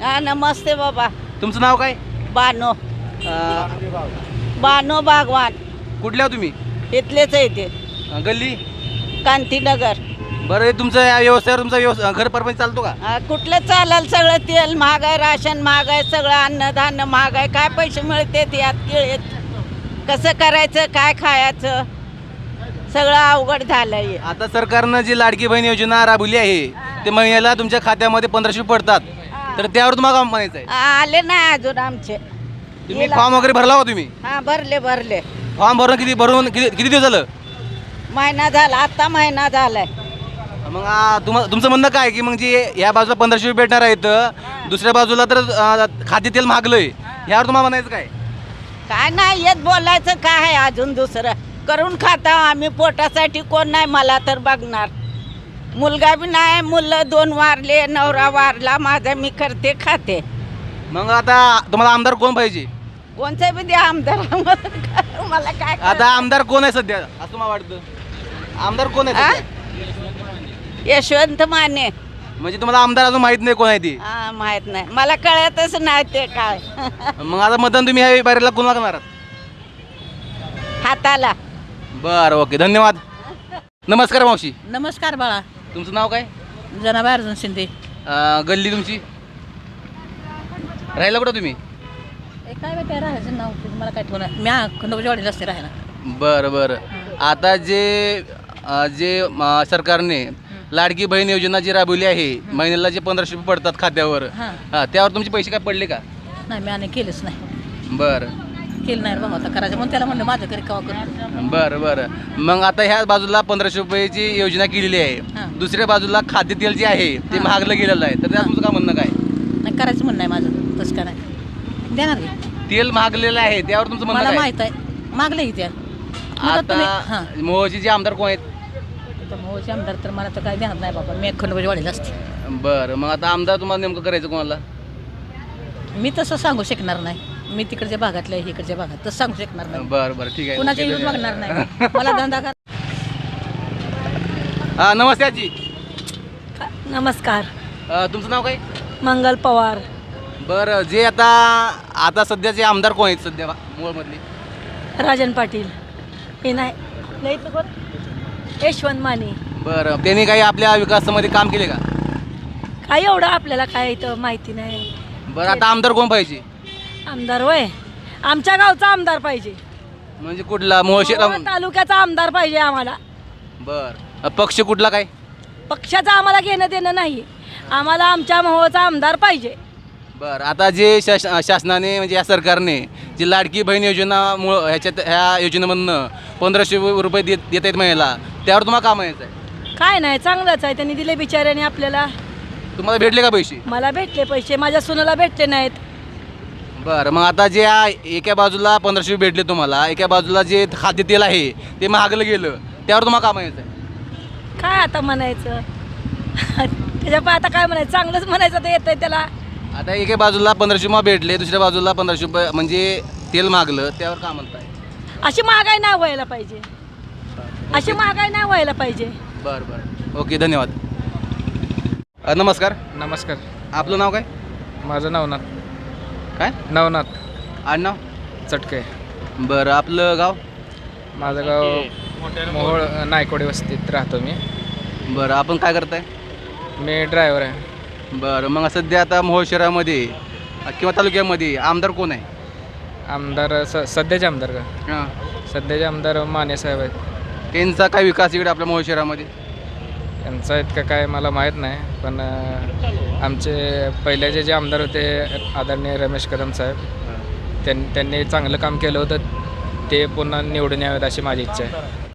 हा नमस्ते बाबा. तुमचं नाव काय? बानो अं, बानो बागवान कुठले आहो तुम्ही? इथलेच आहे ते गल्ली. कांतीनगर. बरं, हे तुमचं या व्यवसायावर तुमचा घर परपंच चालतो का? कुठलं चालेल? सगळं तेल महाग आहे, राशन महाग आहे, सगळं अन्नधान्य महाग आहे. काय पैसे मिळतात यात किळेत? कसं करायचं? काय खायचं? सगळं अवघड झालंय. आता सरकारनं जी लाडकी बहीण योजना राबवली आहे ते महिन्याला तुमच्या खात्यामध्ये 1500 पडतात, तर त्यावर तुम्हाला काय म्हणायचं आहे? आले नाही अजून आमचे. तुम्ही फॉर्म वगैरे भरला हो तुम्ही? हा भरले. फॉर्म भरून किती दिवस झालं? महिना झाला, आता महिना झालाय. मग तुमचं म्हणणं काय की मग जे या बाजूला 1500 भेटणार आहेत, दुसऱ्या बाजूला तर खाद्यतेल महागलंय, यावर तुम्हाला म्हणायचं काय? काय नाही येत बोलायचं. काय आहे अजून दुसरं? करून खाता आम्ही पोटासाठी. कोण नाही मला तर बघणार. मुलगा बी नाही, मुलं 2 वारले, नवरा वारला माझा. मी करते खाते. मग आता तुम्हाला आमदार कोण पाहिजे? कोणचं बी द्या आमदार. मला काय आता आमदार कोण आहे सध्या असं तुम्हाला वाटतं? आमदार कोण आहे सध्या? यशवंत माने. म्हणजे तुम्हाला आमदार अजून माहित नाही कोण आहे ती? हा माहित नाही, मला कळतच नाही ते काय. मग आता मतदान तुम्ही ह्या बाहेरला कोणाला करणार? हाताला. बरं, ओके, धन्यवाद. नमस्कार मावशी, नमस्कार बाळा. तुमचं नाव काय? जनाबाई अर्जुन शिंदे. गल्ली तुमची? राहिला कुठं तुम्ही? काय माहिती राहायचं नाव मला काय ठेवणार. मी खंडोबाच्या वाडीला असते राहायला. बरं. आता जे सरकारने लाडकी बहीण योजना जी राबवली आहे, महिन्याला जे 1500 पडतात खात्यावर, हां. त्यावर तुमचे पैसे काय पडले का? नाही मी आणि केलंच नाही. बरं केलं नाही बाबा, आता करायचं म्हणून त्याला म्हणलं माझं घरी कवा करू. बरं. मग आता ह्या बाजूला 1500 रुपयाची योजना केलेली आहे, हां. दुसऱ्या बाजूला खाद्यतेल जे आहे ते हां. महागलं गेलेलं आहे, तर त्यात तुमचं काय म्हणणं काय? नाही करायचं म्हणणं आहे माझं, तसं काय नाही. देणार की तेल महागलेलं आहे त्यावर तुमचं म्हणणं मला काय? माहीत आहे. मागलं की त्या हां आता मोहची जे आमदार कोण आहेत? मोहचे आमदार तर मला तर काय देणार नाही बाबा. मी खंडोबाच्या वाडीला असते. बरं, मग आता आमदार तुम्हाला नेमकं करायचं कोणाला? मी तसं सांगू शकणार नाही. मी तिकडच्या भागातल्या इकडच्या भागात तसं सांगू शकणार नाही. बरं, ठीक आहे. कुणाच्या येऊन बघणार नाही. मला धंदा कर. नमस्ते आजी, नमस्कार. तुमचं नाव काय? मंगल पवार. बरं, जे आता सध्याचे आमदार कोण आहेत सध्या मूळमधले? राजन पाटील. हे नाही तर कोण? यशवंत माने. बरं, त्यांनी काही आपल्या विकासामध्ये काम केले का? काय एवढं आपल्याला काय इथं माहिती नाही. बरं, आता आमदार कोण पाहिजे? आमदार होय, आमच्या गावचा आमदार पाहिजे. म्हणजे कुठला? मोहशे मोहोळ तालुक्याचा आमदार पाहिजे आम्हाला. बरं, पक्ष कुठला काय? पक्षाचं आम्हाला घेणं देणं नाही. आम्हाला आमच्या मोहोळचा आमदार पाहिजे. बरं, आता जे शासनाने म्हणजे या सरकारने जी लाडकी बहीण योजना ह्या योजनेमधनं 1500 रुपये देत आहेत महिन्याला, त्यावर तुम्हाला काय म्हणायचं आहे? काय नाही, चांगलंच आहे. त्यांनी दिले बिचाऱ्याने आपल्याला. तुम्हाला भेटले का पैसे? मला भेटले पैसे, माझ्या सुनाला भेटले नाहीत. बरं, मग आता जे एका बाजूला 1500 भेटले तुम्हाला, एका बाजूला जे खाद्यतेल आहे ते महागलं गेलं, त्यावर तुम्हाला काय म्हणायचं आहे? काय आता म्हणायचं? त्याच्या आता काय म्हणायचं? चांगलंच म्हणायचं तर येतंय त्याला. आता एका बाजूला 1500 मग भेटले, दुसऱ्या बाजूला 1500 रुपये म्हणजे तेल महागलं, त्यावर काय म्हणताय? अशी महागाई नाही व्हायला पाहिजे. अशी महागाई नाही व्हायला पाहिजे. बरं, ओके, धन्यवाद. नमस्कार. नमस्कार. आपलं नाव काय? माझं नवनाथ. काय नवनाथ आडनाव? चटके. बरं, आपलं गाव? माझं गाव मोहोळ नायकोडे वस्तीत राहतो मी. बरं, आपण काय करताय? मी ड्रायव्हर आहे. बरं, मग सध्या आता मोहोळ शहरामध्ये किंवा तालुक्यामध्ये आमदार कोण आहे? आमदार सध्याचे आमदार का? हां, सध्याचे आमदार माने साहेब आहेत. त्यांचा काय विकास इकडे आपल्या मोहोळ शहरामध्ये? यांचा इतकं काय मला माहीत नाही, पण आमचे पहिल्याचे जे आमदार होते आदरणीय रमेश कदम साहेब, त्यांनी चांगलं काम केलं होतं. ते पुन्हा निवडून यावेत अशी माझी इच्छा आहे.